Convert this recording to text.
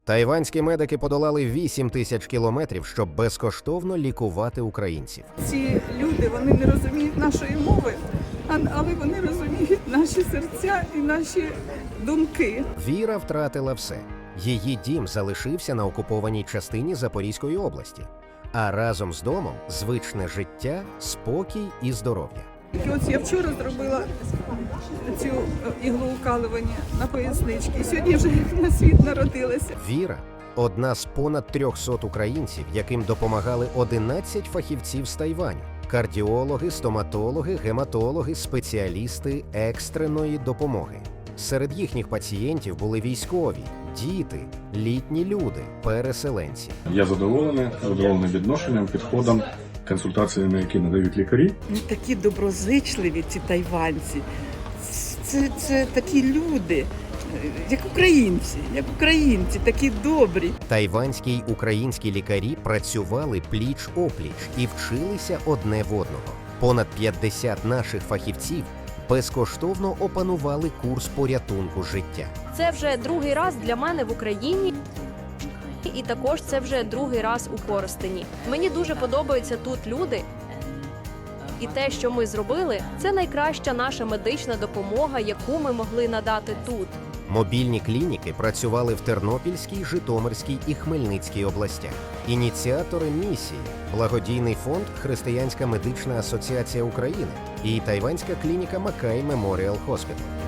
Тайванські медики подолали 8 тисяч кілометрів, щоб безкоштовно лікувати українців. Ці люди, вони не розуміють нашої мови, але вони розуміють наші серця і наші думки. Віра втратила все. Її дім залишився на окупованій частині Запорізької області. А разом з домом – звичне життя, спокій і здоров'я. І ось я вчора зробила цю іглоукалування на поясничці. І сьогодні вже на світ народилася. Віра – одна з понад 300 українців, яким допомагали 11 фахівців з Тайваню. Кардіологи, стоматологи, гематологи, спеціалісти екстреної допомоги. Серед їхніх пацієнтів були військові, діти, літні люди, переселенці. Я задоволений відношенням, підходом, консультаціями, які надають лікарі. Вони такі доброзичливі, ці тайванці. Це такі люди, як українці, такі добрі. Тайванські й українські лікарі працювали пліч-опліч і вчилися одне в одного. Понад 50 наших фахівців безкоштовно опанували курс порятунку життя. Це вже другий раз для мене в Україні. І також це вже другий раз у Коростені. Мені дуже подобаються тут люди. І те, що ми зробили, це найкраща наша медична допомога, яку ми могли надати тут. Мобільні клініки працювали в Тернопільській, Житомирській і Хмельницькій областях. Ініціатори місії – благодійний фонд Християнська медична асоціація України і тайванська клініка Макай Меморіал Хоспітал.